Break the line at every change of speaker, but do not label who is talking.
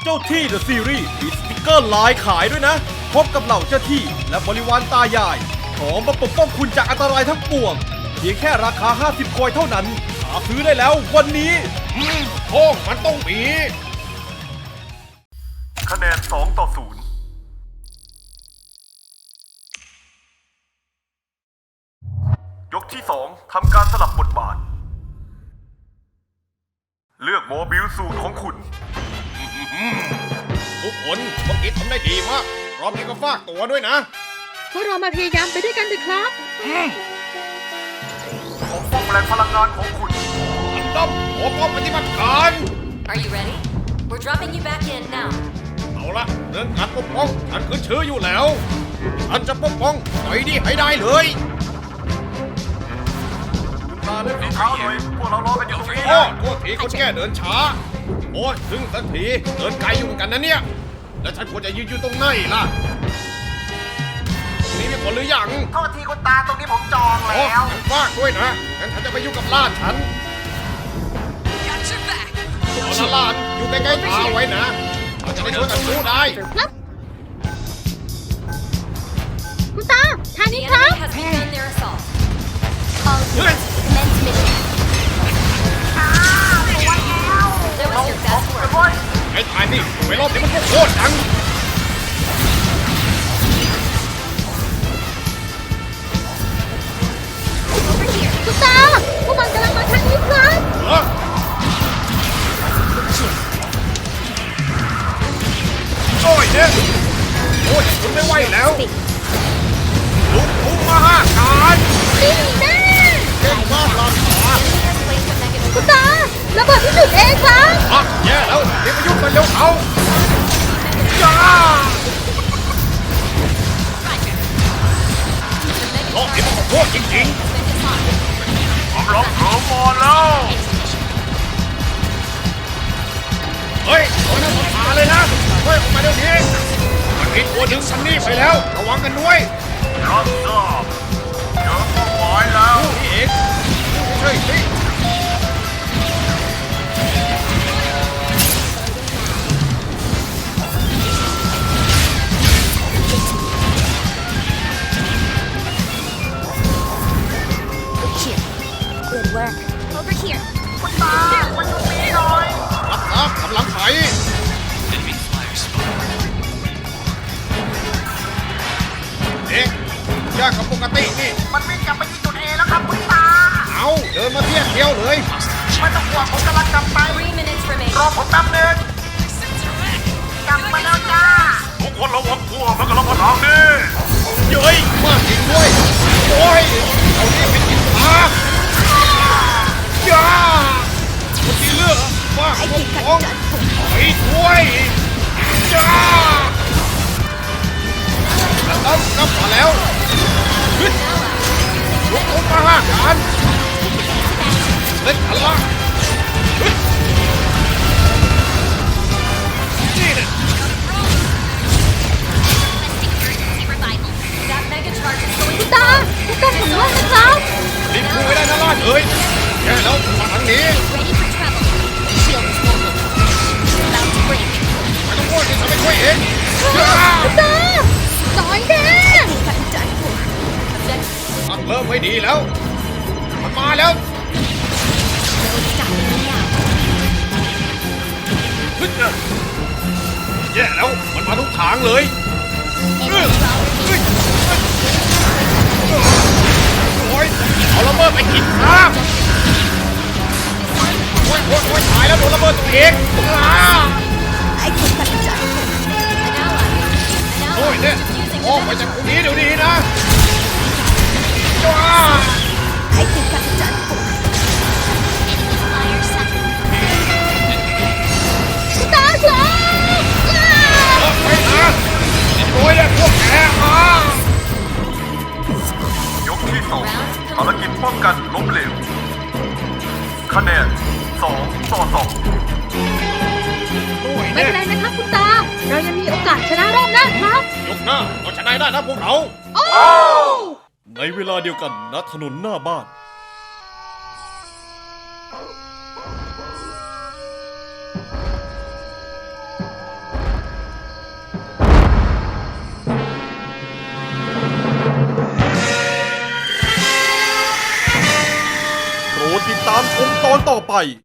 เจ้าที่ The Series มีสติกเกอร์ลายขายด้วยนะ พบกับเหล่าเจ้าที่และบริวารตายายพร้อมมาปกป้องคุณจากอันตรายทั้งปวงเพียงแค่ราคา50 คอยเท่านั้นหาซื้อได้แล้ววันนี้
โอ้มันต้องมี
คะแนน2-0ยกที่2ทำการสลับบทบาทเลือกโมบิลสูตรของคุณ
ทุกคนเมื่อกี้ทำได้ดีมากรอบนี้ก็ฝากตัวด้วยนะ
พวกเรามาพยายามไปด้วยกันเถอะครับ
ปกป้องแหล่งพลังงานของคุณ
อันดับขอป้องปฏิบัติการ
Are you ready? We're dropping you back in now.
เอาละเรื่องการปกป้องฉันขึ้นชื่ออยู่แล้วฉันจะปกป้องไอ้นี่ให้ได้เลย
มาเล่นฝีเท้าหน่อยพวกเรารอกันอยู่ตรงนี้
โอ้โทษทีคนแก่เดินช้าโอ้ยถึงสักทีเดินไกลอยู่เหมือนกันนะเนี่ยแล้วฉันควรจะยืนอยู่ตรงไหนล่ะตรงนี้มีคนหรือยัง
โทษทีคุณตาตรงนี้ผมจองแล้ว
ฉันฝากด้วยนะงั้นฉันจะไปอยู่กับล้านฉันเอาละล้านอยู่ใกล้ๆตาไว้นะเราจะได้ช่วยกันสู้ได้
ครับคุณตาทาง
The
นี้ครับ
enemy has begun their assault.
เฮ้ย
Commence mission. That was your best work.
ไอ้ทายนี่ไปรอบนี้มันก็โคตรดัง
คุณตาพวกมันกำลังมาทางนี้ครับ
เหรอโอ้ยเนี่ยโอ้ยคุณไม่ไหวแล้วลุกพุ่งมาห้าการ
นี่แน่
เก่งมากลานขา
Enemy has placed a mechanism.
คุณตาระเบิดที่จุดเองครับ
อ่ะแย่แล้วเดี๋ยวไปยุ่งกันเร็วเขาจ้ารอบนี้มันขอโทษจริงๆผมร้องเถิมอนแล้วเฮ้ยโดนน้ำตาเลยนะเฮ้ยออกมาเดี๋ยวนี้มันมีตัวดึงซันนี่ไปแล้วระวังกันด้วยรับทราบเจอเป้าหมายแล้วนี่เองใช่สิ
Good work. Over here.
คุณตามันตรงนี้หน่อย
รับทราบกำลังไปเอ๊ะยากกับปกตินี่
มันวิ่งกลับไปที่จุดเอแล้วครับคุณตา
เอาเดินมาเทียบเดียวเลย
ไม่ต้องห่วงผมกำลังกลับไป
3 minutes remaining.
รอผมแป๊บนึงกลับมาแล้วจ้า
ทุกคนระวังตัวมันกำลังมาทางนี้
เย้ยมากจริงด้วยโอ้ยเอานี่เป็นกินปลาย่าเมื่อกี้เลือกว่าเอาพวกของไปด้วยย่าแล้วต้องกลับมาแล้วฮึดลุกขึ้นมาห้าการเล่นกันละฮึดนี่เนี่ย
That mega charge is going
คุณตาคุณตาผมว่านะครับ
รีบพูดไม่ได้นะล่าเอ้ยแย่แล้วมาทางนี้
ready for travel. Shield is mobile. About to break.
ไม่ต้องพูดที่ฉันไม่ช่วยเอง
คุณตาสอยแน่
Objective
มันเริ่มไม่ดีแล้ว มันมาแล้ว
no stopping me now.
ฮึดนะแย่แล้วมันมาทุกทางเลย
Enemy well remaining.
โอ้ยเอาระเบิดไปกินข้าวโอ้ยโอ้ยโอ้ยตายแล้วโดนระเบิดตัวเองโอ้ยเนี่ยออกไปจากตรงนี้เดี๋ยวนี้นะว้า
คุณตาครับ
ไปนะโอ้ยพวกแก
ยกที่2ภารกิจป้องกันล้มเหลวคะแนน2-2
โอ้ย
ไม่
เนี่ย
เป็นไรนะครับคุณตา เรายังมีโอกาสชนะรอบหน้าครับ
ยกหน้าเราชนะได้นะพวกเรา
โอ้
ในเวลาเดียวกันณถนนหน้าบ้านติดตามชมตอนต่อไป